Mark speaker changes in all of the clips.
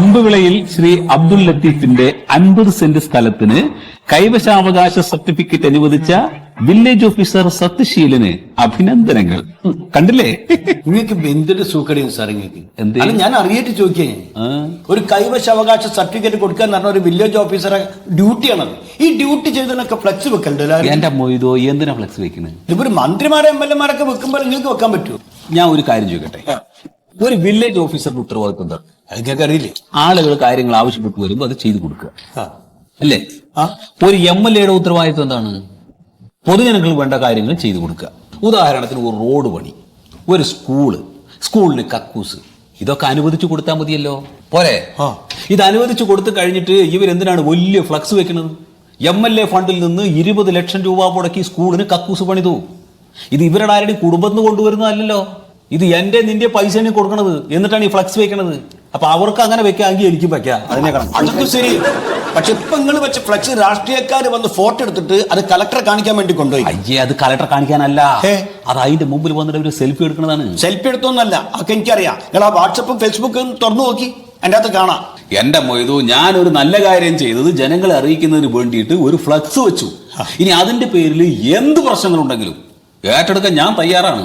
Speaker 1: കമ്പുവിളയിൽ ശ്രീ അബ്ദുൽ ലത്തീഫിന്റെ 50 സെന്റ് സ്ഥലത്തിന് കൈവശാവകാശ സർട്ടിഫിക്കറ്റ് അനുവദിച്ച വില്ലേജ് ഓഫീസർ സത്യശീലന് അഭിനന്ദനങ്ങൾ. കണ്ടില്ലേ?
Speaker 2: നിങ്ങൾക്ക് എന്തൊരു സൂക്കടിയും സാർ നിങ്ങൾക്ക്.
Speaker 1: എന്ത്?
Speaker 2: അല്ല, ഞാൻ അറിയിട്ട് ചോദിക്കേ, ഒരു കൈവശാവകാശ സർട്ടിഫിക്കറ്റ് കൊടുക്കാൻ പറഞ്ഞ ഒരു വില്ലേജ് ഓഫീസറെ ഡ്യൂട്ടിയാണത്. ഈ ഡ്യൂട്ടി ചെയ്തതിനൊക്കെ ഫ്ലെക്സ് വെക്കണ്ടല്ലോ.
Speaker 1: എന്റെ മൊയ്തോ, എന്തിനാ ഫ്ലെക്സ് വെക്കുന്നത്?
Speaker 2: ഇതിപ്പോ മന്ത്രിമാരെ MLA-മാരൊക്കെ വെക്കുമ്പോൾ നിങ്ങൾക്ക് വെക്കാൻ പറ്റുമോ?
Speaker 1: ഞാൻ ഒരു കാര്യം ചോദിക്കട്ടെ, ഒരു വില്ലേജ് ഓഫീസറുടെ ഉത്തരവാദിത്വം എന്താണ്?
Speaker 2: അതൊക്കെ അറിയില്ലേ?
Speaker 1: ആളുകൾ കാര്യങ്ങൾ ആവശ്യപ്പെട്ട് വരുമ്പോൾ അത് ചെയ്തു കൊടുക്കുക, അല്ലേ? ഒരു MLA-യുടെ ഉത്തരവാദിത്വം എന്താണ്? പൊതുജനങ്ങൾക്ക് വേണ്ട കാര്യങ്ങൾ ചെയ്തു കൊടുക്കുക. ഉദാഹരണത്തിന് ഒരു റോഡ് പണി, ഒരു സ്കൂളിന് കക്കൂസ്, ഇതൊക്കെ അനുവദിച്ചു കൊടുത്താൽ മതിയല്ലോ, പോരെ? ഇത് അനുവദിച്ചു കൊടുത്തു കഴിഞ്ഞിട്ട് ഇവരെന്തിനാണ് വലിയ ഫ്ലക്സ് വെക്കുന്നത്? MLA ഫണ്ടിൽ നിന്ന് 20 ലക്ഷം രൂപ മുടക്കി സ്കൂളിന് കക്കൂസ് പണിതു. ഇത് ഇവരുടെ ആരുടെയും കുടുംബത്തിന് കൊണ്ടുവരുന്നതല്ലോ. ഇത് എന്റെ നിന്റെ പൈസയാണ് കൊടുക്കണത്, എന്നിട്ടാണ് ഈ ഫ്ലക്സ് വെക്കണത്. അപ്പൊ അവർക്ക് അങ്ങനെ വെക്കാമെങ്കിൽ എനിക്കും വെക്കാം. അതിനെ കാണാം.
Speaker 2: അതൊക്കെ ശരി. പക്ഷെ ഇപ്പൊ നിങ്ങൾ വെച്ച ഫ്ലക്സ് രാഷ്ട്രീയക്കാർ വന്ന് ഫോട്ടോ എടുത്തിട്ട് അത് കളക്ടറെ കാണിക്കാൻ വേണ്ടി കൊണ്ടുപോയി.
Speaker 1: അയ്യേ, അത് കളക്ടർ കാണിക്കാനല്ല, അത് അതിന്റെ മുമ്പിൽ വന്നിട്ട് ഒരു സെൽഫി എടുക്കുന്നതാണ്.
Speaker 2: സെൽഫി എടുത്തൊന്നല്ല, അതൊക്കെ എനിക്കറിയാം. നിങ്ങൾ ആ വാട്സപ്പും ഫേസ്ബുക്കും തുറന്നു നോക്കി, അതിന്റെ അകത്ത് കാണാം.
Speaker 1: എന്റെ മൊയ്തു, ഞാനൊരു നല്ല കാര്യം ചെയ്തത് ജനങ്ങളെ അറിയിക്കുന്നതിന് വേണ്ടിയിട്ട് ഒരു ഫ്ലക്സ് വെച്ചു. ഇനി അതിന്റെ പേരിൽ എന്ത് പ്രശ്നങ്ങളുണ്ടെങ്കിലും ഏറ്റെടുക്കാൻ ഞാൻ തയ്യാറാണ്.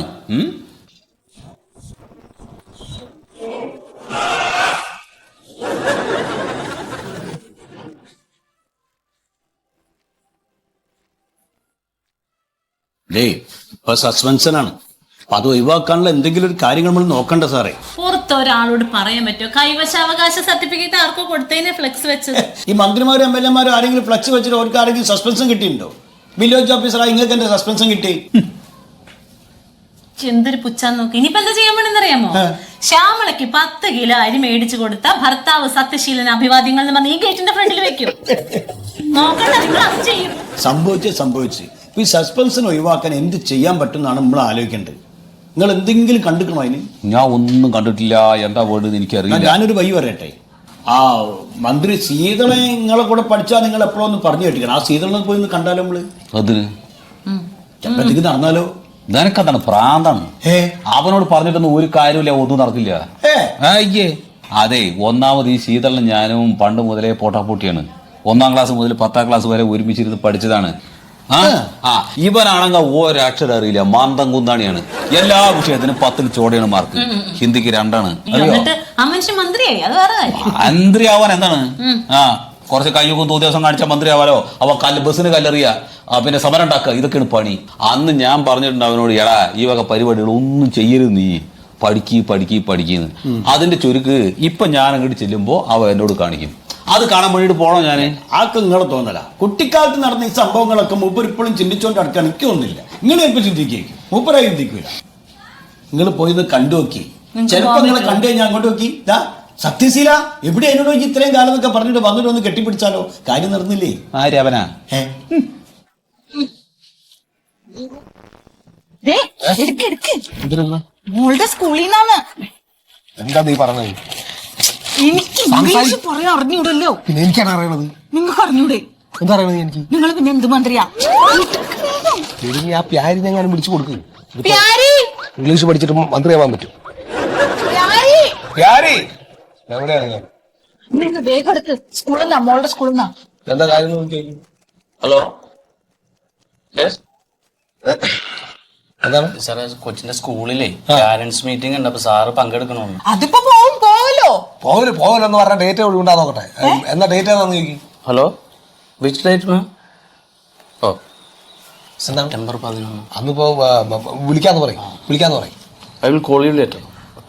Speaker 2: ഇപ്പൊ സസ്പെൻഷനാണ്. അപ്പൊ അത് ഒഴിവാക്കാനുള്ള എന്തെങ്കിലും ഒരു കാര്യങ്ങൾ നമ്മൾ നോക്കണ്ട സാറേ.
Speaker 3: പുറത്ത് ഒരാളോട് പറയാൻ പറ്റുമോ കൈവശാവകാശ സർട്ടിഫിക്കറ്റ് ആർക്കോ കൊടുത്തതിനെ ഫ്ലെക്സ് വെച്ചത്?
Speaker 2: ഈ മന്ത്രിമാരും MLA-മാരും ആരെങ്കിലും ഫ്ലെക്സ് വെച്ചിട്ട് അവർക്ക് ആരെങ്കിലും സസ്പെൻഷൻ കിട്ടിയിട്ടുണ്ടോ? വില്ലേജ് ഓഫീസറായി നിങ്ങൾക്ക് എന്റെ സസ്പെൻഷൻ കിട്ടി?
Speaker 3: എന്തൊരു പുച്ഛാന്ന് നോക്കി. ഇനിയിപ്പോ എന്താ ചെയ്യാൻ വേണമെന്നറിയാമോ? ശ്യാമളയ്ക്ക് 10 കിലോ അരി മേടിച്ചു കൊടുത്ത ഭർത്താവ് സത്യശീലൻ അഭിവാദ്യങ്ങൾ എന്ന് പറഞ്ഞ് ഈ ഗേറ്റിന്റെ ഫ്രണ്ടിൽ വെക്കും. നോക്കണ്ട, നിങ്ങൾ അത് ചെയ്യും.
Speaker 2: സംഭവിച്ച് ഈ സസ്പെൻഷൻ ഒഴിവാക്കാൻ എന്ത് ചെയ്യാൻ പറ്റും എന്നാണ് നമ്മൾ ആലോചിക്കേണ്ടത്. നിങ്ങൾ എന്തെങ്കിലും കണ്ടിക്കണോ അതിന്?
Speaker 1: ഞാൻ ഒന്നും കണ്ടിട്ടില്ല. എന്താ വേണ്ടത് എനിക്കറിയില്ല.
Speaker 2: ഞാനൊരു വഴി പറയട്ടെ. ആ മന്ത്രി ശീതളെ നിങ്ങളെ കൂടെ പഠിച്ചാൽ നിങ്ങൾ എപ്പോഴൊന്ന് പറഞ്ഞു കേട്ടിക്കണം. ആ ശീതളനെ പോയി ഒന്ന് കണ്ടാലോ നമ്മള്?
Speaker 1: അതിന്
Speaker 2: ചെപ്പത്തേക്ക് നടന്നാലോ?
Speaker 1: നിനക്കതാണ് പ്രാന്താണ്. അവനോട് പറഞ്ഞിട്ടൊന്നും ഒരു കാര്യമില്ല, ഒന്നും നടക്കില്ല. അയ്യേ, അതെ, ഒന്നാമത് ഈ ശീതളിന് ഞാനും പണ്ട് മുതലേ പോട്ടാപ്പൂട്ടിയാണ്. 1ാം ക്ലാസ് മുതൽ 10ാം ക്ലാസ് വരെ ഒരുമിച്ചിരുന്ന് പഠിച്ചതാണ്. ഇവനാണെങ്കിൽ ഒരക്ഷരം അറിയില്ല, മാന്തം കുന്താണിയാണ്. എല്ലാ വിഷയത്തിനും 10ൽ ചോടയാണ് മാർക്ക്, ഹിന്ദിക്ക് 2ആണ്. മന്ത്രിയാവാൻ എന്താണ്? കുറച്ച് കയ്യൊക്കും ദിവസം കാണിച്ചാൽ മന്ത്രിയാവാലോ. അവ ബസ്സിന് കല്ലെറിയ, പിന്നെ സമരം ഉണ്ടാക്കുക, ഇതൊക്കെയാണ് പണി. അന്ന് ഞാൻ പറഞ്ഞിട്ടുണ്ട് അവനോട്, എടാ ഈ വക പരിപാടികൾ ഒന്നും ചെയ്യരുത്, നീ പഠിക്കുന്നു. അതിന്റെ ചുരുക്ക് ഇപ്പൊ ഞാൻ അങ്ങോട്ട് ചെല്ലുമ്പോ അവ എന്നോട് കാണിക്കും. അത് കാണാൻ വേണ്ടിട്ട് പോണോ ഞാന്?
Speaker 2: ആൾക്ക് നിങ്ങളെ തോന്നല. കുട്ടിക്കാലത്ത് നടന്ന ഈ സംഭവങ്ങളൊക്കെ മൂപ്പർ ഇപ്പോഴും ചിന്തിച്ചോണ്ട് നടക്കാൻ എനിക്ക് തോന്നുന്നില്ല. നിങ്ങൾ ചിലപ്പോൾ ചിന്തിക്കും, മൂപ്പരായി ചിന്തിക്കൂല. നിങ്ങൾ പോയി കണ്ടു നോക്കി. ചിലപ്പോ നിങ്ങളെ കണ്ടു കഴിഞ്ഞാൽ അങ്ങോട്ട് നോക്കി, സത്യശീല എവിടെ എന്നോട് നോക്കി ഇത്രയും കാലം എന്നൊക്കെ പറഞ്ഞിട്ട് വന്നിട്ട് ഒന്ന് കെട്ടിപ്പിടിച്ചാലോ? കാര്യം നടന്നില്ലേ?
Speaker 1: ആരവനാ?
Speaker 3: മോളുടെ സ്കൂളിൽ നിന്നാണ്.
Speaker 4: എന്താ നീ പറഞ്ഞത്?
Speaker 3: എനിക്ക് ഇംഗ്ലീഷ് പറയാൻ അറിഞ്ഞൂടല്ലോ.
Speaker 4: പിന്നെ എനിക്കാണ് അറിയണത്.
Speaker 3: നിങ്ങൾക്ക് അറിഞ്ഞൂടെ?
Speaker 4: എന്താ അറിയണത് എനിക്ക്?
Speaker 3: നിങ്ങൾ പിന്നെ എന്ത് മന്ത്രിയാ?
Speaker 4: ആ പ്യാരി ഞാൻ വിളിച്ചു കൊടുക്കും.
Speaker 3: ഇംഗ്ലീഷ്
Speaker 4: പഠിച്ചിട്ട് മന്ത്രിയാവാൻ പറ്റും. എവിടെയാണ് ഞാൻ?
Speaker 3: നിങ്ങൾ വേഗം എടുത്ത്. സ്കൂളിൽ നിന്നാ, മോളുടെ സ്കൂളിൽ നിന്നാ.
Speaker 4: എന്താ കാര്യം?
Speaker 5: ഹലോ,
Speaker 4: എന്താണ്
Speaker 5: സാറേ? കൊച്ചിന്റെ സ്കൂളിലെ പാരന്റ്സ് മീറ്റിംഗ് ഉണ്ട്, അപ്പൊ സാറ് പങ്കെടുക്കണമെന്ന്.
Speaker 3: അതിപ്പോ
Speaker 4: പോവലെന്ന് പറഞ്ഞ ഡേറ്റ് ഉണ്ടാ നോക്കട്ടെ. എന്നാ ഡേറ്റ് ഏതാന്ന് ചോദിക്കും.
Speaker 5: Hello, which date ma'am? ഓ,
Speaker 4: എന്താണ്?
Speaker 5: സെപ്റ്റംബർ 11.
Speaker 4: അന്നിപ്പോ വിളിക്കാന്ന് പറയും.
Speaker 5: I will call you later.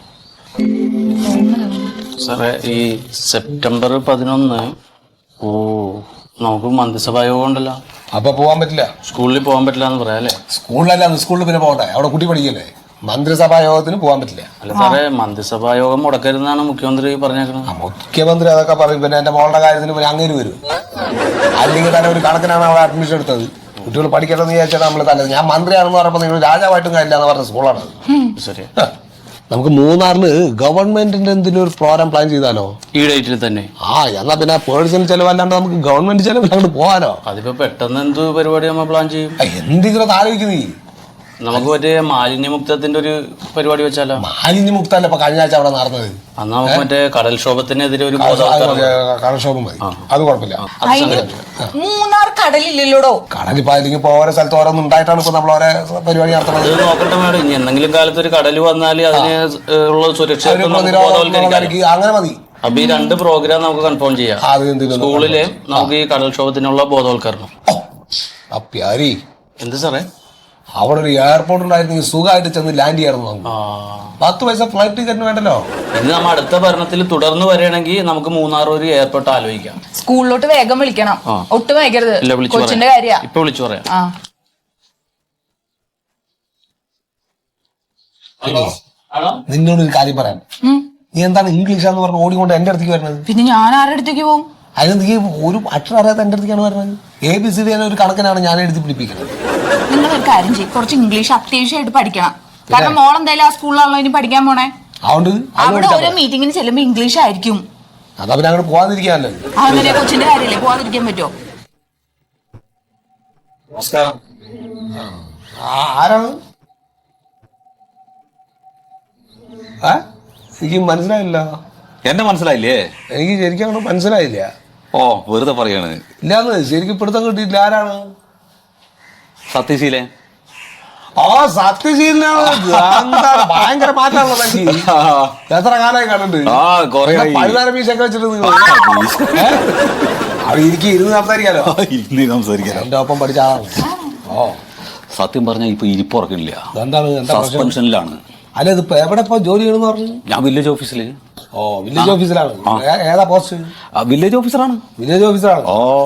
Speaker 5: സാറേ, ഈ സെപ്റ്റംബർ 11 നമുക്ക് മന്ത്രിസഭാ യോഗം ഉണ്ടല്ലോ.
Speaker 4: അപ്പൊ പോവാൻ പറ്റില്ല.
Speaker 5: സ്കൂളിൽ പോകാൻ പറ്റില്ല എന്ന് പറയാം അല്ലേ?
Speaker 4: സ്കൂളിലല്ല, സ്കൂളിൽ പിന്നെ പോകണ്ടേ, അവിടെ കുട്ടി പഠിക്കല്ലേ. മന്ത്രിസഭാ യോഗത്തിന് പോകാൻ പറ്റില്ല.
Speaker 5: അല്ല സാറേ, മന്ത്രിസഭാ യോഗം മുടക്കരുതെന്നാണ് മുഖ്യമന്ത്രി പറഞ്ഞേക്കുന്നത്.
Speaker 4: മുഖ്യമന്ത്രി അതൊക്കെ പറയും. പിന്നെ എന്റെ മോളുടെ കാര്യത്തിന് പിന്നെ അങ്ങേര് വരും. അല്ലെങ്കിൽ തന്നെ ഒരു കണക്കിനാണ് അവിടെ അഡ്മിഷൻ എടുത്തത്. കുട്ടികൾ പഠിക്കണമെന്ന് വിചാരിച്ചാൽ നമ്മൾ തന്നെ. ഞാൻ മന്ത്രിയാണെന്ന് പറഞ്ഞപ്പോൾ നിങ്ങൾ രാജാവായിട്ടും കാര്യമില്ല എന്ന് പറഞ്ഞ സ്കൂളാണ്.
Speaker 5: ശരി,
Speaker 4: നമുക്ക് മൂന്നാറിന് ഗവൺമെന്റിന്റെ എന്തെങ്കിലും ഒരു പ്രോഗ്രാം പ്ലാൻ ചെയ്താലോ?
Speaker 5: ഈ ഡേറ്റിൽ തന്നെ?
Speaker 4: എന്നാ പിന്നെ പേഴ്സണൽ ചെലവല്ലാണ്ട് നമുക്ക് ഗവൺമെന്റ് ചെലവിൽ അങ്ങോട്ട് പോകാനോ?
Speaker 5: അതിപ്പോ പെട്ടെന്ന് എന്ത് പരിപാടി നമ്മൾ പ്ലാൻ ചെയ്യും?
Speaker 4: എന്തെങ്കിലും ആലോചിക്കുന്നേ.
Speaker 5: നമുക്ക് മറ്റേ മാലിന്യമുക്തത്തിന്റെ ഒരു പരിപാടി വെച്ചാലോ?
Speaker 4: മാലിന്യമുക്തല്ല ഇപ്പൊ കഴിഞ്ഞ ആഴ്ച അവിടെ നടന്നത്.
Speaker 5: അന്ന് നമുക്ക് മറ്റേ കടൽക്ഷോഭത്തിനെതിരെ ഒരു
Speaker 4: കടൽക്ഷോഭം മതി, അത് കുഴപ്പമില്ല.
Speaker 6: മൂന്നാർ കടലില്ലല്ലോടോ.
Speaker 4: കടലിപ്പോ അല്ലെങ്കിൽ ഇപ്പൊ ഓരോ സ്ഥലത്ത് ഓരോന്നും ഉണ്ടായിട്ടാണ് ഇപ്പൊ നമ്മൾ ഓരോ പരിപാടി നടത്തുന്നത്.
Speaker 5: അത് നോക്കട്ടെ മേഡം, ഇനി എന്തെങ്കിലും കാലത്ത് ഒരു കടൽ വന്നാൽ അതിന് ഉള്ള സുരക്ഷ
Speaker 4: അങ്ങനെ മതി.
Speaker 5: അപ്പൊ ഈ 2 പ്രോഗ്രാം നമുക്ക് കൺഫേം ചെയ്യാം. സ്കൂളില് നമുക്ക് ഈ കടൽക്ഷോഭത്തിനുള്ള ബോധവൽക്കരണം.
Speaker 4: പ്യാരി
Speaker 5: എന്ത് സാറേ?
Speaker 4: അവിടെ ഒരു എയർപോർട്ട് ഉണ്ടായിരുന്നെങ്കിൽ സുഖമായിട്ട് ചെന്ന് ലാൻഡ് ചെയ്യാറുണ്ട്. നമുക്ക് 10 പൈസ ഫ്ലൈറ്റ് ടിക്കറ്റ് വേണ്ടല്ലോ.
Speaker 5: ഇനി നമ്മൾ അടുത്ത ഭരണത്തിൽ തുടർന്ന് വരികയാണെങ്കിൽ നമുക്ക് മൂന്നാർ ഒരു എയർപോർട്ട് ആലോചിക്കാം.
Speaker 6: സ്കൂളിലോട്ട് വേഗം വിളിക്കണം, ഒട്ടും വൈകരുത്. കൊച്ചിന്റെ കാര്യം
Speaker 5: ഇപ്പൊ വിളിച്ചു പറയാം.
Speaker 4: നിന്നോടൊരു കാര്യം പറയാൻ. നീ എന്താണ് ഇംഗ്ലീഷാന്ന് പറഞ്ഞ് ഓടിക്കൊണ്ട് എന്റെ അടുത്തേക്ക് വരുന്നത്?
Speaker 6: പിന്നെ ഞാൻ ആരുടെ അടുത്തേക്ക് പോകും?
Speaker 4: അതിന് നീ ഒരു അക്ഷരം അറിയാത്ത എന്റെ അടുത്തേക്കാണ് പറഞ്ഞത്. ABCD ഒരു കണക്കിനാണ് ഞാൻ എഴുതി പിടിപ്പിക്കുന്നത്.
Speaker 6: നിങ്ങളൊരു കാര്യം ചെയ്യും, കുറച്ച് ഇംഗ്ലീഷ് അത്യാവശ്യമായിട്ട് പഠിക്കണം. കാരണം മോൾ എന്തായാലും ആ സ്കൂളിലാണല്ലോ ഇനി പഠിക്കാൻ പോണേ. അവിടെ ഓരോ മീറ്റിങ്ങിന് ചെല്ലുമ്പോ ഇംഗ്ലീഷ് ആയിരിക്കും.
Speaker 4: അതാ പിന്നെ അങ്ങോട്ട് പോകാതിരിക്കാനല്ലോ.
Speaker 6: അങ്ങനെ കൊച്ചിന്റെ കാര്യല്ലേ, പോകാതിരിക്കാൻ പറ്റുമോ?
Speaker 4: ആരാണ്? എനിക്ക് മനസ്സിലായില്ല.
Speaker 1: എന്നെ മനസ്സിലായില്ലേ?
Speaker 4: എനിക്ക് ശരിക്കും അങ്ങോട്ട് മനസ്സിലായില്ല.
Speaker 1: ഓ, വെറുതെ പറയാണ്.
Speaker 4: ഇല്ലാന്ന് ശരിക്കും പിടുത്തം കിട്ടിയില്ല. ആരാണ്?
Speaker 1: സത്യശീലൻ.
Speaker 4: സത്യശീലനാണ്. ഭയങ്കര മാറ്റാണല്ലോ എനിക്ക്. എത്ര കാലമായി കണ്ടിട്ട്? 13 മീശൊക്കെ വെച്ചിട്ട് അവിടെ എനിക്ക് ഇരുന്ന് സംസാരിക്കാലോ. എന്റെ ഒപ്പം പഠിച്ച ആളാണ്.
Speaker 1: സത്യം പറഞ്ഞാൽ ഇപ്പൊ ഇരിപ്പുറക്കില്ല.
Speaker 4: എന്താണ്?
Speaker 1: സസ്പെൻഷനിലാണ്.
Speaker 4: അല്ല, ഇതിപ്പോ എവിടെ ഇപ്പൊ ജോലി ചെയ്യണമെന്ന് പറഞ്ഞു?
Speaker 1: ഞാൻ വില്ലേജ് ഓഫീസില്.
Speaker 4: വില്ലേജ് ഓഫീസിലാണ്. ഏതാ പോസ്റ്റ്?
Speaker 1: വില്ലേജ് ഓഫീസറാണ്.
Speaker 4: വില്ലേജ് ഓഫീസറാണ്.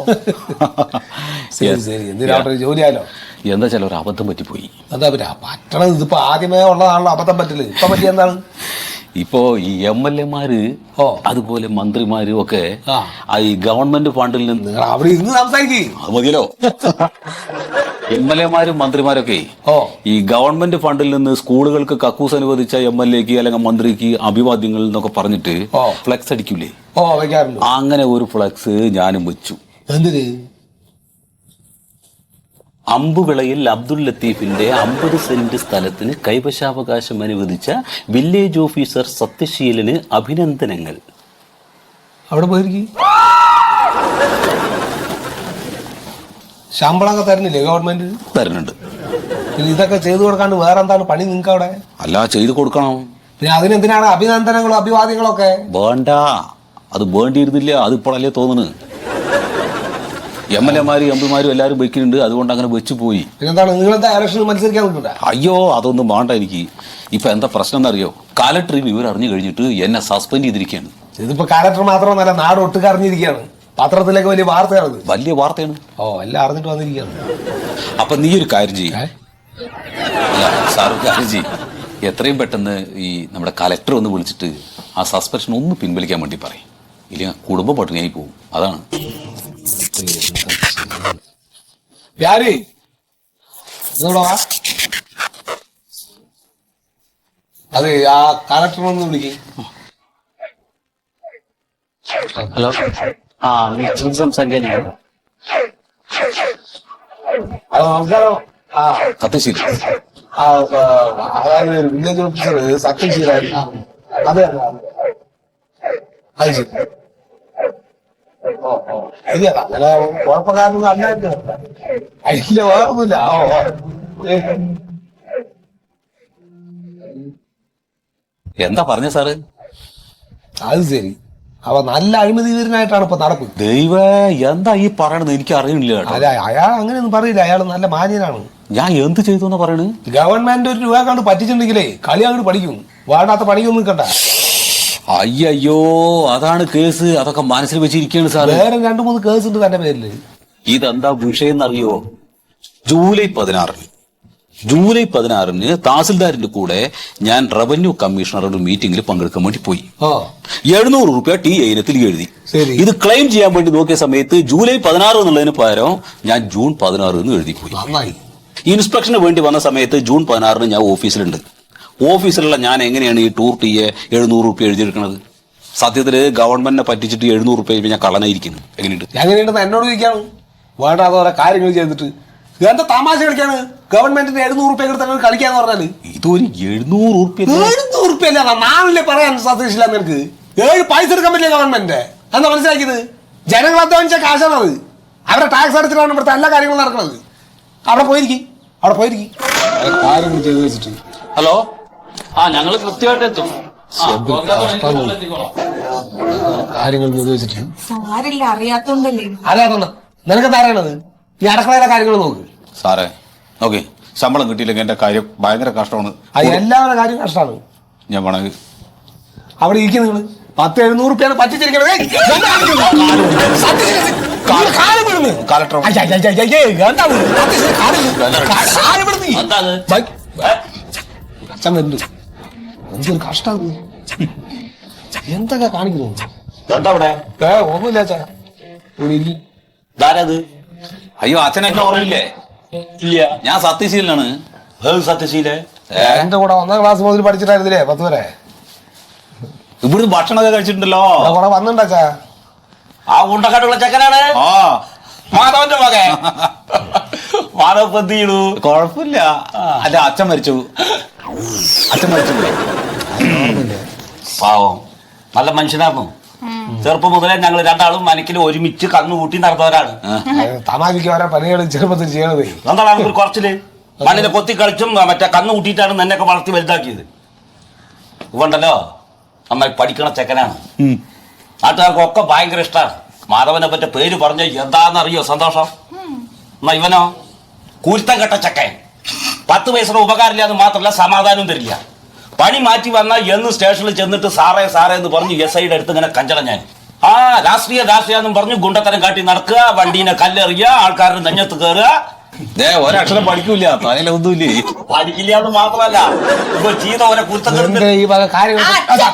Speaker 4: ശരി ശരി, എന്തിനാണ് ജോലിയാലോ?
Speaker 1: എന്താ ചില ഒരു അബദ്ധം പറ്റിപ്പോയി.
Speaker 4: എന്താ പറ്റാ പറ്റണത്? ഇതിപ്പോ ആദ്യമേ ഉള്ളതാണല്ലോ അബദ്ധം പറ്റില്ല. ഇപ്പൊ പറ്റിയ എന്താണ്?
Speaker 1: ഇപ്പോ ഈ MLA-മാര് അതുപോലെ മന്ത്രിമാരും ഒക്കെ ഈ ഗവൺമെന്റ് ഫണ്ടിൽ നിന്ന്
Speaker 4: അവിടെ ഇരുന്ന് സംസാരിക്കും.
Speaker 1: അത് മതിയല്ലോ. MLA-മാരും മന്ത്രിമാരൊക്കെ ഈ ഗവൺമെന്റ് ഫണ്ടിൽ നിന്ന് സ്കൂളുകൾക്ക് കക്കൂസ് അനുവദിച്ച MLA-ക്ക് അല്ലെങ്കിൽ മന്ത്രിക്ക് അഭിവാദ്യങ്ങൾ എന്നൊക്കെ പറഞ്ഞിട്ട് ഫ്ലെക്സ് അടിക്കൂലേ?
Speaker 4: വെക്കാറുണ്ട്.
Speaker 1: അങ്ങനെ ഒരു ഫ്ലെക്സ് ഞാനും വെച്ചു.
Speaker 4: എന്തിന്?
Speaker 1: അമ്പുവിളയിൽ അബ്ദുൽ ലത്തീഫിന്റെ 50 സെന്റ് സ്ഥലത്തിന് കൈവശാവകാശം അനുവദിച്ച വില്ലേജ് ഓഫീസർ സത്യശീലന് അഭിനന്ദനങ്ങൾ.
Speaker 4: അവിടെ പോയിരിക്കും. ശമ്പളമൊക്കെ തരുന്നില്ലേ ഗവൺമെന്റ്?
Speaker 1: തരുന്നുണ്ട്.
Speaker 4: ഇതൊക്കെ ചെയ്തു കൊടുക്കാണ്ട് വേറെ എന്താണ് പണി നിങ്ങൾക്ക് അവിടെ?
Speaker 1: അല്ല, ചെയ്തു കൊടുക്കണം.
Speaker 4: പിന്നെ അതിനെന്തിനാണ് അഭിനന്ദനങ്ങളും അഭിവാദ്യങ്ങളൊക്കെ?
Speaker 1: വേണ്ട, അത് വേണ്ടിയിരുന്നില്ല. അതിപ്പോഴല്ലേ തോന്നുന്നു. MLA-മാരും MP-മാരും എല്ലാവരും വെക്കുന്നുണ്ട്, അതുകൊണ്ട് അങ്ങനെ വെച്ചു പോയി.
Speaker 4: പിന്നെന്താണ്, നിങ്ങളെന്താ ഇലക്ഷനിൽ മത്സരിക്കാൻ നിൽക്കണ്ട?
Speaker 1: അയ്യോ, അതൊന്നും വേണ്ട എനിക്ക്. ഇപ്പൊ എന്താ പ്രശ്നം എന്നറിയോ? കലക്ടർ വിവരം അറിഞ്ഞു കഴിഞ്ഞിട്ട് എന്നെ സസ്പെൻഡ് ചെയ്തിരിക്കുകയാണ്.
Speaker 4: ഇതിപ്പോ കലക്ടർ മാത്രമൊന്നല്ല, നാട് ഒട്ടുക്ക് അറിഞ്ഞിരിക്കുകയാണ്. പത്രത്തിലേക്ക് വലിയ വാർത്തയാണ്.
Speaker 1: വലിയ വാർത്തയാണ്.
Speaker 4: എല്ലാം അറിഞ്ഞിട്ട് വന്നിരിക്കുകയാണ്.
Speaker 1: അപ്പൊ നീ ഒരു കാര്യം ചെയ്യും. സാർ കാര്യം ചെയ്യും, എത്രയും പെട്ടെന്ന് ഈ നമ്മുടെ കലക്ടർ ഒന്ന് വിളിച്ചിട്ട് ആ സസ്പെൻഷൻ ഒന്ന് പിൻവലിക്കാൻ വേണ്ടി പറയും. ഇല്ലെങ്കിൽ കുടുംബം പട്ടിണിയായി പോകും. അതാണ്.
Speaker 4: അതെ, ആ കലക്ടറിനൊന്ന് വിളിക്കും.
Speaker 5: ഹലോ, സംസാരിക്കാൻ.
Speaker 4: നമസ്കാരം.
Speaker 1: സത്യശീലൻ.
Speaker 4: അതായത് വില്ലേജ് ഓഫീസർ സത്യശീലായിരുന്നു. അതെ, അത് ശരി. ഇല്ല, അങ്ങനെ കുഴപ്പക്കാരൊന്നും അല്ലായിരുന്നു. ഇല്ല, വേറൊന്നുമില്ല.
Speaker 1: എന്താ പറഞ്ഞ സാറ്?
Speaker 4: അത് ശരി. അപ്പൊ നല്ല അഴിമതിവീരനായിട്ടാണ് ഇപ്പൊ നടപ്പ്.
Speaker 1: ദൈവ, എന്താ ഈ പറയണത്? എനിക്ക് അറിയില്ല.
Speaker 4: അല്ല, അയാൾ അങ്ങനെയൊന്നും പറയില്ല. അയാൾ നല്ല മാന്യനാണ്.
Speaker 1: ഞാൻ എന്ത് ചെയ്തു എന്നാ പറയണത്?
Speaker 4: ഗവൺമെന്റ് 1 രൂപ കണ്ട് പറ്റിച്ചിട്ടുണ്ടെങ്കിലേ കളി അങ്ങോട്ട് പഠിക്കും. വേണ്ടാത്ത പണിയൊന്നും നിൽക്കണ്ട.
Speaker 1: അയ്യോ, അതാണ് കേസ്. അതൊക്കെ മനസ്സിൽ വെച്ചിരിക്കുകയാണ് സാറ്.
Speaker 4: വേറെ 2-3 കേസ് ഉണ്ട് തന്റെ പേരില്.
Speaker 1: ഇതെന്താ വിഷയം എന്നറിയോ? ജൂലൈ 16 തഹസിൽദാരിന്റെ കൂടെ ഞാൻ റവന്യൂ കമ്മീഷണറുടെ മീറ്റിംഗിൽ പങ്കെടുക്കാൻ വേണ്ടി പോയി. 700 രൂപ TA ഇനത്തിൽ എഴുതി. ഇത് ക്ലെയിം ചെയ്യാൻ വേണ്ടി നോക്കിയ സമയത്ത് ജൂലൈ 16 എന്നുള്ളതിന് പകരം ഞാൻ ജൂൺ 16 എന്ന് എഴുതി പോയി. ഇൻസ്പെക്ഷന് വേണ്ടി വന്ന സമയത്ത് ജൂൺ 16 ഞാൻ ഓഫീസിലുണ്ട്. ഓഫീസിലുള്ള ഞാൻ എങ്ങനെയാണ് ഈ ടൂർ TA 700 രൂപ എഴുതിയെടുക്കുന്നത്? സത്യത്തില് ഗവൺമെന്റിനെ പറ്റിച്ചിട്ട് 700 രൂപ ഞാൻ കള്ളനായിരിക്കുന്നു. എങ്ങനെയുണ്ട്
Speaker 4: എന്നോട് ചോദിക്കാണ്. വേണ്ട, അതോടെ കാര്യങ്ങൾ ചെയ്തിട്ട് എന്താ തമാശ കളിക്കാണ്? ഗവൺമെന്റിന് 700 റുപ്യ കൊടുത്താൽ കളിക്കാന്ന് പറഞ്ഞാല്
Speaker 1: ഇതൊരു 700 ഉറുപ്പ്യ
Speaker 4: 700 റുപ്യ നാളല്ലേ പറയാൻ സതീഷില്ല നിനക്ക്? 7 പൈസ എടുക്കാൻ പറ്റില്ല ഗവൺമെന്റ്. എന്താ മനസ്സിലാക്കിയത്? ജനങ്ങൾ അധ്വാനിച്ച കാശാണത്. അവരുടെ ടാക്സ് അടച്ചിട്ടാണ് ഇവിടുത്തെ എല്ലാ കാര്യങ്ങളും നടക്കുന്നത്. അവിടെ പോയിരിക്കും കാര്യങ്ങൾ ചെയ്ത് വെച്ചിട്ട്.
Speaker 5: ഹലോ, ഞങ്ങൾ കൃത്യമായിട്ട് എത്തും.
Speaker 4: കാര്യങ്ങൾ ചെയ്ത് വെച്ചിട്ട്
Speaker 6: സാരില്ല, അറിയാത്തോണ്ടല്ലേ.
Speaker 4: അറിയാത്തോണ്ട നിനക്കെന്താ അറിയണത്? ഈ അടുക്കളയിലെ കാര്യങ്ങൾ നോക്ക്.
Speaker 1: സാറേ ഓക്കെ, ശമ്പളം കിട്ടിയില്ലെങ്കിൽ എന്റെ കാര്യം ഭയങ്കര കഷ്ടമാണ്.
Speaker 4: അത് എല്ലാവരുടെ കാര്യം കഷ്ടമാണ്.
Speaker 1: ഞാൻ വേണമെങ്കിൽ
Speaker 4: അവിടെ ഇരിക്കും നിങ്ങൾ 10-700 റുപ്യാണ് പറ്റിച്ചിരിക്കണത്. എന്തൊരു കഷ്ടം, എന്തൊക്കെ കാണിക്കുന്നു. ഒന്നുമില്ല അച്ഛാ.
Speaker 1: അയ്യോ അച്ഛനെ ഓർമ്മയില്ലേ?
Speaker 5: ഇല്ല,
Speaker 1: ഞാൻ സത്യശീലനാണ്.
Speaker 5: സത്യശീലേ
Speaker 4: എന്റെ കൂടെ 1ാം ക്ലാസ് മുതൽ പഠിച്ചിട്ടായിരുന്നില്ലേ 10 വരെ?
Speaker 1: ഇവിടുന്ന് ഭക്ഷണമൊക്കെ കഴിച്ചിട്ടുണ്ടല്ലോ.
Speaker 4: കൂടെ വന്നിണ്ടാച്ചാ.
Speaker 5: ആ ഉണ്ടക്കാട്ടുള്ള ചെക്കനാണ്
Speaker 1: ആ
Speaker 5: മാധവന്റെ മകൻ. മാധവ് എന്ത് ചെയ്യണു?
Speaker 1: കുഴപ്പമില്ല. അല്ല അച്ഛൻ മരിച്ചു.
Speaker 5: പാവം നല്ല മനുഷ്യനായിരുന്നു. ചെറുപ്പം മുതലേ ഞങ്ങൾ രണ്ടാളും മനക്കിൽ ഒരുമിച്ച് കന്നു കൂട്ടി നടന്നവരാണ്.
Speaker 4: തമാശയ്ക്ക് ഓരോ പണികൾ ചെറുപ്പത്തിൽ ചെയ്യണത്.
Speaker 5: എന്താണ് ഒരു കുറച്ചില് മണ്ണിനെ കൊത്തി കളിച്ചും മറ്റേ കന്നു കൂട്ടിയിട്ടാണ് നിന്നെയൊക്കെ വളർത്തി വലുതാക്കിയത്. ഇവണ്ടല്ലോ നന്നായി പഠിക്കണ ചെക്കനാണ്. നാട്ടുകാർക്കൊക്കെ ഭയങ്കര ഇഷ്ടമാണ്. മാധവനെ പറ്റ പേര് പറഞ്ഞ എന്താണെന്നറിയോ സന്തോഷം? എന്നാ ഇവനോ കൂരുത്തം കെട്ട ചെക്കൻ. 10 പൈസയുടെ ഉപകാരമില്ലാന്ന് മാത്രമല്ല സമാധാനവും തരില്ല. പണി മാറ്റി വന്നാൽ എന്ന് സ്റ്റേഷനിൽ ചെന്നിട്ട് സാറേ എന്ന് പറഞ്ഞു SIയുടെ അടുത്ത് ഇങ്ങനെ കഞ്ചട ഞാൻ രാഷ്ട്രീയ എന്നും പറഞ്ഞു ഗുണ്ടത്തരം കാട്ടി നടക്കുക, വണ്ടീനെ കല്ലെറിയുക, ആൾക്കാരുടെ നെഞ്ഞത്ത് കയറുക.
Speaker 1: ഒരക്ഷരം പഠിക്കൂല, തലയിലൊന്നുമില്ലേ.
Speaker 5: പഠിക്കില്ലാന്ന് മാത്രമല്ല ഇപ്പൊ ചെയ്ത ഓരോ കുരുത്തം.
Speaker 4: ഈ വക കാര്യങ്ങൾ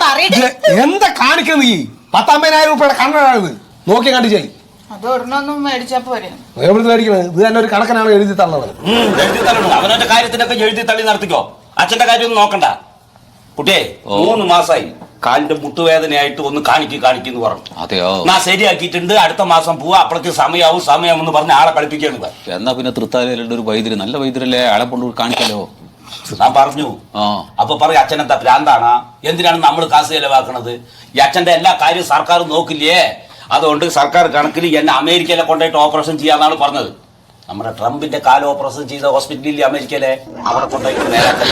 Speaker 4: എന്താ കാണിക്കുന്നത്? ഈ 10,000 രൂപയുടെ കണ്ണാണിത്. നോക്കി കണ്ടു ചെയ്യും.
Speaker 6: അത് ഒരെണ്ണൊന്നും മേടിച്ചാ പോരെ.
Speaker 4: എവിടുന്ന് മേടിക്കണത്? ഇത് തന്നെ ഒരു കണക്കനാണ് എഴുതി തള്ളത്.
Speaker 5: എഴുതി തള്ളണം. അവനവന്റെ കാര്യത്തിനൊക്കെ എഴുതി തള്ളി നടത്തിക്കോ. അച്ഛന്റെ കാര്യമൊന്നും നോക്കണ്ട. കുട്ടിയെ 3 മാസമായി കാലിന്റെ മുട്ടുവേദനയായിട്ട് ഒന്ന് കാണിക്കുന്നു പറഞ്ഞു.
Speaker 1: അതെയോ?
Speaker 5: ഞാൻ ശരിയാക്കിയിട്ടുണ്ട്, അടുത്ത മാസം പോവാ, അപ്പോഴേക്ക് സമയാവും എന്ന് പറഞ്ഞ ആളെ കളിപ്പിക്കുകയാണ്.
Speaker 1: എന്നാ പിന്നെ തൃത്താലയിലുള്ള ഒരു വൈദ്യര്, നല്ല വൈദ്യരല്ലേ, ആളെ കൊണ്ട് കാണിക്കാലോ.
Speaker 5: ഞാൻ പറഞ്ഞു. അപ്പൊ പറയും അച്ഛനെന്താ ഭ്രാന്താണാ? എന്തിനാണ് നമ്മൾ കാശ് ചെലവാക്കണത്? ഈ അച്ഛന്റെ എല്ലാ കാര്യവും സർക്കാർ നോക്കില്ലേ? അതുകൊണ്ട് സർക്കാർ കണക്കിൽ എന്നെ അമേരിക്കയിലെ കൊണ്ടുപോയിട്ട് ഓപ്പറേഷൻ ചെയ്യാന്നാണ് പറഞ്ഞത്. നമ്മുടെ ട്രംപിന്റെ കാല് ഓപ്പറേഷൻ ചെയ്ത ഹോസ്പിറ്റലിൽ അമേരിക്കയിലെ അവിടെ കൊണ്ടുപോയിട്ട്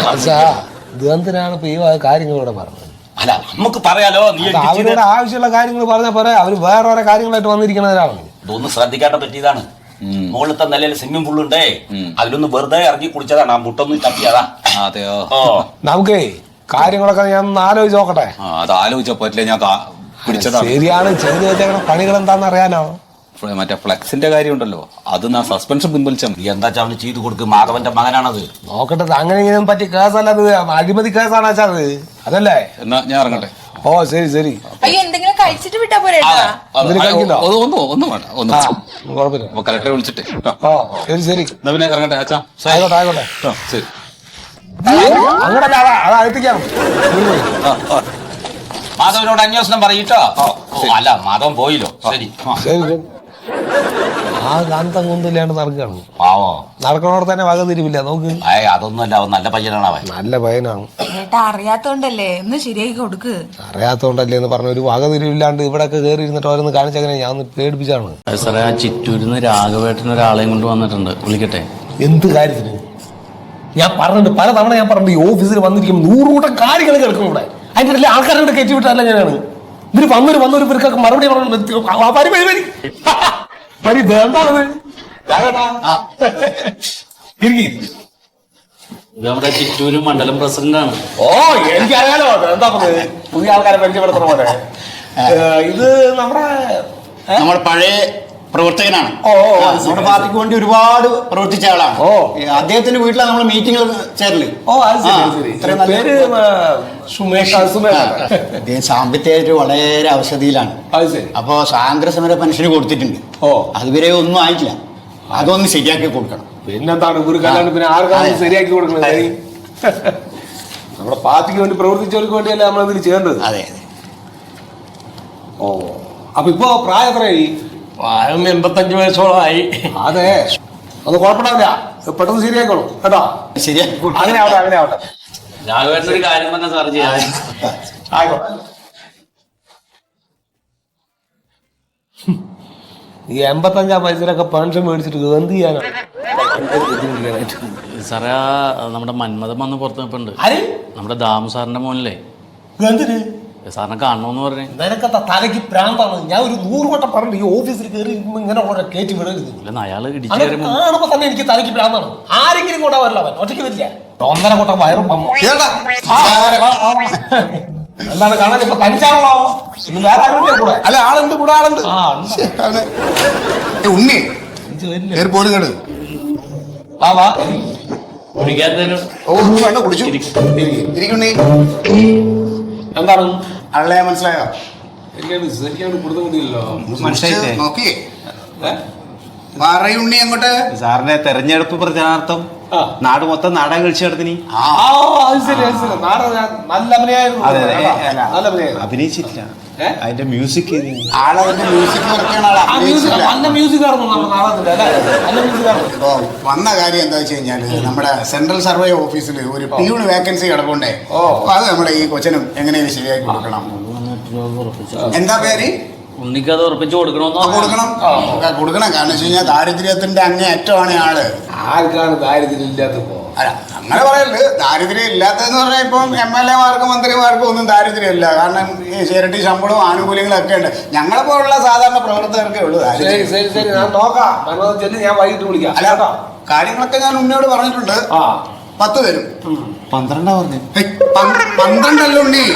Speaker 4: എന്തിനാണ് ഇപ്പൊ ഈ കാര്യങ്ങളിവിടെ പറഞ്ഞത്?
Speaker 5: അല്ല നമുക്ക് പറയാലോ.
Speaker 4: അവരുടെ ആവശ്യമുള്ള കാര്യങ്ങൾ പറഞ്ഞാൽ പോരെ. അവര് വേറെ ഓരോ കാര്യങ്ങളായിട്ട് വന്നിരിക്കുന്നവരാണ്.
Speaker 5: ഇതൊന്നും ശ്രദ്ധിക്കാത്ത പറ്റിയതാണ്. മുകളിലത്തെ നിലയിൽ സ്വിമ്മിംഗ് പൂൾ ഉണ്ടേ, അതിലൊന്ന് വെറുതെ ഇറങ്ങി കുടിച്ചതാണ്. ആ മുട്ടൊന്നും തപ്പിയതാ.
Speaker 1: അതെയോ?
Speaker 4: നമുക്കേ കാര്യങ്ങളൊക്കെ ഞാൻ ഒന്ന് ആലോചിച്ച് നോക്കട്ടെ.
Speaker 1: അത് ആലോചിച്ച പറ്റില്ല, ഞാൻ പിടിച്ചതാണ്.
Speaker 4: ശരിയാണ്, ചെയ്തു വെച്ചേക്കണ പണികൾ എന്താന്ന് അറിയാനോ?
Speaker 1: മറ്റേ ഫ്ലെക്സിന്റെ കാര്യം ഉണ്ടല്ലോ, അത് ഞാൻ സസ്പെൻഷൻ പിൻവലിച്ചാൽ മതി.
Speaker 5: എന്താ അവന് ചെയ്തു കൊടുക്കും? മാധവന്റെ മകനാണത്.
Speaker 4: നോക്കട്ടെ, അങ്ങനെ ഇങ്ങനെ പറ്റിയ കേസല്ല അത്, അഴിമതി കേസാണ് വെച്ചാൽ അത്. അതല്ലേ?
Speaker 1: എന്നാ ഞാൻ ഇറങ്ങട്ടെ.
Speaker 4: ഓ ശരി.
Speaker 6: അയ്യോ, എന്തെങ്കിലും കഴിച്ചിട്ട് വിട്ടാ പോരെ.
Speaker 1: ഒന്നും വേണ്ട,
Speaker 4: കുഴപ്പമില്ല.
Speaker 1: കലക്ടറെ വിളിച്ചിട്ട്.
Speaker 4: ഓ ശരി.
Speaker 1: എന്നാ പിന്നെ ഇറങ്ങട്ടെ അച്ഛാ.
Speaker 4: ആയിക്കോട്ടെ.
Speaker 1: ശരി.
Speaker 4: അങ്ങോട്ടല്ല, അത് അകത്തേക്കാണ്.
Speaker 5: മാധവനോട് അന്വേഷണം പറയിട്ടോ. അല്ല മാധവൻ പോയില്ലോ. ശരി.
Speaker 4: ആ കാന്തം കൊണ്ടില്ലാണ്ട് നടക്കുകയാണ്.
Speaker 5: പാവോ,
Speaker 4: നടക്കണോടെ തന്നെ വക തിരിവില്ല. നോക്ക്.
Speaker 5: അതൊന്നുമല്ല, അവൻ നല്ല പയ്യനാണ്. അവൻ
Speaker 4: നല്ല പയ്യനാണ്.
Speaker 6: ഏട്ടാ അറിയാത്തോണ്ടല്ലേ, ഒന്ന് ശരിയാക്കി കൊടുക്ക്.
Speaker 4: അറിയാത്തോണ്ടല്ലേ എന്ന് പറഞ്ഞ ഒരു വക തിരിവില്ലാണ്ട് ഇവിടെ ഒക്കെ കയറി ഇരുന്നിട്ട് ഓരോന്ന് കാണിച്ചങ്ങനെ ഞാൻ ഒന്ന് പേടിപ്പിച്ചാണ്.
Speaker 5: സാറേ, ആ ചിറ്റൂരിന്ന് രാഘവേട്ടൻ ഒരാളെയും കൊണ്ട് വന്നിട്ടുണ്ട്. വിളിക്കട്ടെ?
Speaker 4: എന്ത് കാര്യത്തിന്? ഞാൻ പറഞ്ഞിട്ട് പല തവണ ഞാൻ പറഞ്ഞിട്ട് ഈ ഓഫീസിൽ വന്നിരിക്കും 100 കൂട്ടം കാര്യങ്ങൾ കേൾക്കും ഇവിടെ. അതിന്റെ ഇടയിൽ ആൾക്കാരോട് കയറ്റി വിട്ടല്ല ഞാനാണ്. ഇവര് വന്നൊരു ഇവർക്കൊക്കെ മറുപടി
Speaker 5: നമ്മുടെ ചിറ്റൂര് മണ്ഡലം പ്രസിഡന്റാണ്.
Speaker 4: ഓ എനിക്കറിയാലോ. എന്താ പുതിയ ആൾക്കാരെ പരിചയപ്പെടുത്തുന്ന പോലെ. ഇത് നമ്മുടെ
Speaker 7: പഴയ പ്രവർത്തകനാണ്. നമ്മുടെ പാർട്ടിക്ക് വേണ്ടി ഒരുപാട് പ്രവർത്തിച്ച ആളാണ്. അദ്ദേഹത്തിന്റെ വീട്ടിലാണ് നമ്മൾ മീറ്റിംഗ് ചേരല്. അദ്ദേഹം സാമ്പത്തികമായിട്ട് വളരെ അവശതയിലാണ്. അപ്പൊ സ്വാതന്ത്ര്യ സമര പെൻഷന് കൊടുത്തിട്ടുണ്ട്. അതുവരെ ഒന്നും ആയിട്ടില്ല. അതൊന്ന് ശരിയാക്കി കൊടുക്കണം.
Speaker 4: പിന്നെന്താണ് പിന്നെ ആർക്കാണ് ശരിയാക്കി കൊടുക്കുന്നത്? നമ്മുടെ പാർട്ടിക്ക് വേണ്ടി പ്രവർത്തിച്ചവർക്ക് വേണ്ടിയല്ലേ നമ്മൾ ഇതിൽ ചെയ്യേണ്ടത്.
Speaker 7: അതെ.
Speaker 4: അപ്പൊ ഇപ്പൊ പ്രായം എത്രയായി?
Speaker 7: പ്രായം 85 വയസ്സോളമായി.
Speaker 4: അതെ. അത് കുഴപ്പമില്ല, പെട്ടെന്ന് ശരിയായിക്കോളൂ കേട്ടോ.
Speaker 7: ശരിയാ.
Speaker 4: അങ്ങനെ ആവട്ടെ.
Speaker 5: രാഘവേട്ടൻ ഒരു കാര്യം പറഞ്ഞ സാർ ചെയ്യാം.
Speaker 4: ആയിക്കോട്ടെ. ഈ 85 പൈസയിലൊക്കെ പെൻഷൻ മേടിച്ചിട്ട് എന്ത് ചെയ്യാനാണ്?
Speaker 8: സാറേ നമ്മുടെ മന്മഥൻ വന്ന് പുറത്ത് നിൽപ്പുണ്ട്.
Speaker 4: ആര്?
Speaker 8: നമ്മുടെ ദാമു സാറിന്റെ മോനില്ലേ,
Speaker 4: എന്തിന്?
Speaker 8: സാറിനെ കാണണമെന്ന് പറഞ്ഞു.
Speaker 4: നിനക്കത്തെ തലയ്ക്ക് പ്രാന്താണ്. ഞാൻ ഒരു 100 വട്ടം പറഞ്ഞു ഈ ഓഫീസിൽ കയറി ഇങ്ങനെ ഓരോ കയറ്റി വിടരുത്.
Speaker 8: അല്ല അയാള്
Speaker 4: അങ്ങനെ
Speaker 8: ഇടിച്ചു
Speaker 4: കാണുമ്പോ തന്നെ എനിക്ക് തലയ്ക്ക് പ്രാന്താണ്. ആരെങ്കിലും കൊണ്ടാ വരില്ല, അവൻ ഒറ്റയ്ക്ക് വരില്ല. 1.5 കൊട്ടം വയറും എന്താണ് കാണാൻ? ഇപ്പൊ തനിച്ചാണല്ലോ. ഇന്ന് വേറെ ആരും കൂടെ
Speaker 2: അല്ല, ആളുണ്ട്, കൂടെ ആളുണ്ട്. ഉണ്ണി പോലും കേട്.
Speaker 4: വാ.
Speaker 2: കുടിച്ചു ഇരിക്കുണ്ണി.
Speaker 4: എന്താണ്
Speaker 2: ആളെ മനസ്സിലായോ?
Speaker 4: ശരിക്കാണ് കൊടുത്തു കൂടിയല്ലോ.
Speaker 7: മനസ്സിലായില്ലേ?
Speaker 2: നോക്കിയേ പറയുണ്ണി അങ്ങോട്ട്.
Speaker 9: സാറിന്റെ തെരഞ്ഞെടുപ്പ് പ്രചാരണാർത്ഥം നാട് മൊത്തം നാടകം കളിച്ചു നടത്തിന്.
Speaker 4: അത് ശരി. നല്ല അഭിനയായിരുന്നു. നല്ല അഭിനയായിരുന്നു.
Speaker 9: അഭിനയിച്ചിട്ടില്ല, അതിന്റെ മ്യൂസിക്
Speaker 2: ആളതിന്റെ മ്യൂസിക് വർക്കാണ് ആൾ അഭിനയിച്ചില്ല.
Speaker 4: നല്ല മ്യൂസിക് ആയിരുന്നു നമ്മുടെ നാടകത്തിന്റെ, അല്ലേ? നല്ല മ്യൂസിക് ആയിരുന്നു.
Speaker 2: ഇപ്പോ വന്ന കാര്യം എന്താ വെച്ച് കഴിഞ്ഞാല് നമ്മുടെ സെൻട്രൽ സർവേ ഓഫീസിൽ ഒരു പ്യൂൺ വേക്കൻസി കിടപ്പുണ്ടേ. അത് നമ്മുടെ ഈ കൊച്ചനും എങ്ങനെയും ശരിയാക്കി കൊടുക്കണം. എന്താ പേര്?
Speaker 8: ഉണ്ണിക്കത് ഉറപ്പിച്ചു കൊടുക്കണമെന്നോ?
Speaker 2: കൊടുക്കണം. കാരണം വെച്ച് കഴിഞ്ഞാൽ ദാരിദ്ര്യത്തിന്റെ അങ്ങേ അറ്റമാണ് ആള്.
Speaker 4: ആർക്കാണ് ദാരിദ്ര്യം ഇല്ലാത്തപ്പോ?
Speaker 2: അല്ല, അങ്ങനെ പറയല്. ദാരിദ്ര്യം ഇല്ലാത്തതെന്ന് പറഞ്ഞാൽ ഇപ്പം MLA-മാർക്കും മന്ത്രിമാർക്കും ഒന്നും ദാരിദ്ര്യമില്ല. കാരണം ഈ ഇരട്ടി ശമ്പളവും ആനുകൂല്യങ്ങളും ഒക്കെ ഉണ്ട്. ഞങ്ങളെ പോലുള്ള സാധാരണ പ്രവർത്തകർക്കേ ഉള്ളൂ ദാരിദ്ര്യം.
Speaker 4: ശരി, ഞാൻ നോക്കാം. ഞാൻ വൈകിട്ട് വിളിക്കാം.
Speaker 2: അല്ല, കാര്യങ്ങളൊക്കെ ഞാൻ ഉണ്ണിയോട് പറഞ്ഞിട്ടുണ്ട്. 10 തരും.
Speaker 9: 12 പറഞ്ഞു.
Speaker 2: 12 ഉണ്ണി.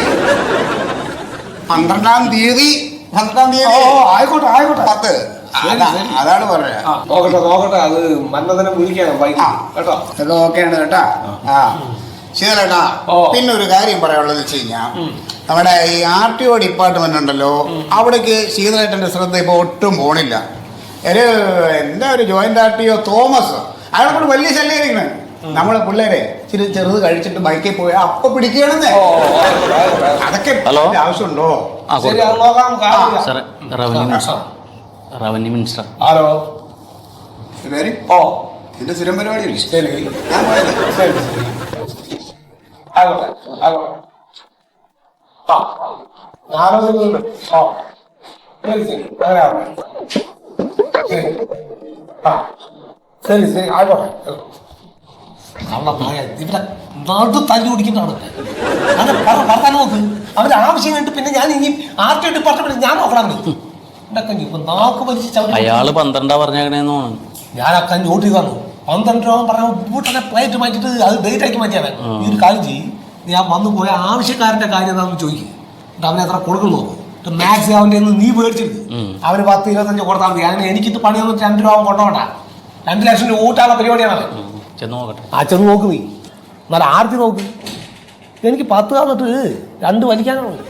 Speaker 2: 12-ാം തീയതി.
Speaker 4: ആയിക്കോട്ടെ 10.
Speaker 2: അതാണ് പറയാ.
Speaker 4: നോക്കട്ടെ. അത് മന്നതനെ വിളിക്കാം വൈകിട്ട് കേട്ടോ.
Speaker 2: അതൊക്കെ ഓക്കെയാണ് കേട്ടാ. ശരിയേട്ടാ. പിന്നെ ഒരു കാര്യം പറയാനുള്ളത് വെച്ച് കഴിഞ്ഞാ, നമ്മുടെ ഈ RTO ഡിപ്പാർട്ട്മെന്റ് ഉണ്ടല്ലോ, അവിടേക്ക് ശീതളേട്ടന്റെ ശ്രദ്ധ ഇപ്പൊ ഒട്ടും പോണില്ല. എന്താ ഒരു ജോയിന്റ് RTO തോമസ്, അയാളെ കൊണ്ട് വലിയ ശല്യമായിരിക്കണേ. നമ്മളെ പിള്ളേരെ ഇച്ചിരി ചെറുത് കഴിച്ചിട്ട് ബൈക്കിൽ പോയി അപ്പൊ പിടിക്കണമെന്നേ. അതൊക്കെ ആവശ്യമുണ്ടോ?
Speaker 4: ശരി, അത് നോക്കാം.
Speaker 8: സാറേ റവന്യൂ മിനിസ്റ്റർ.
Speaker 4: ആരോ
Speaker 2: എന്റെ സ്ഥിരം പരിപാടി.
Speaker 4: ശരി.
Speaker 2: ഞാൻ പോയത്.
Speaker 4: ശരി ആയിക്കോട്ടെ. ഇവിടെ നടു തല്ലി കുടിക്കുന്നതാണ്. അത് പറഞ്ഞാൽ നോക്ക്. അവന്റെ ആവശ്യം കണ്ടിട്ട് പിന്നെ ഞാൻ ഇനി RTO ഡിപ്പാർട്ട്മെന്റ് ഞാൻ നോക്കണം. ഇപ്പൊ നാക്ക് വലിച്ച്
Speaker 8: അയാള് 12 പറഞ്ഞേക്കണേന്ന് തോന്നുന്നു.
Speaker 4: ഞാൻ ആ കഞ്ഞി ഓട്ടി തന്നു. 12 രൂപ പറഞ്ഞ വീട്ടിലെ പ്ലേറ്റ് മാറ്റിട്ട് അത് ഡേറ്റ് ആക്കി മാറ്റിയാണ്. ഈ ഒരു കാര്യം ചെയ്യും. ഞാൻ വന്നു പോയ ആവശ്യക്കാരന്റെ കാര്യം എന്താണെന്ന് ചോദിക്കും. അവനെ എത്ര കൊടുക്കുന്നു നോക്കും. മാക്സ് അവൻ്റെ നീ മേടിച്ചിട്ട് അവന് 10-25 കൊടുത്താൽ മതി. അങ്ങനെ എനിക്കിത് പണി വന്നിട്ട് 2 രൂപ കൊണ്ടുപോകണ്ട. 2 ലക്ഷം രൂപ ഊട്ടാനുള്ള പരിപാടിയാണ്.
Speaker 8: ചെന്ന് നോക്കട്ടെ.
Speaker 4: ചെന്ന് നോക്ക് നീ. എന്നാൽ ആർത്തി നോക്ക്. എനിക്ക് 10 തന്നിട്ട് 2 വലിക്കാനാണ്.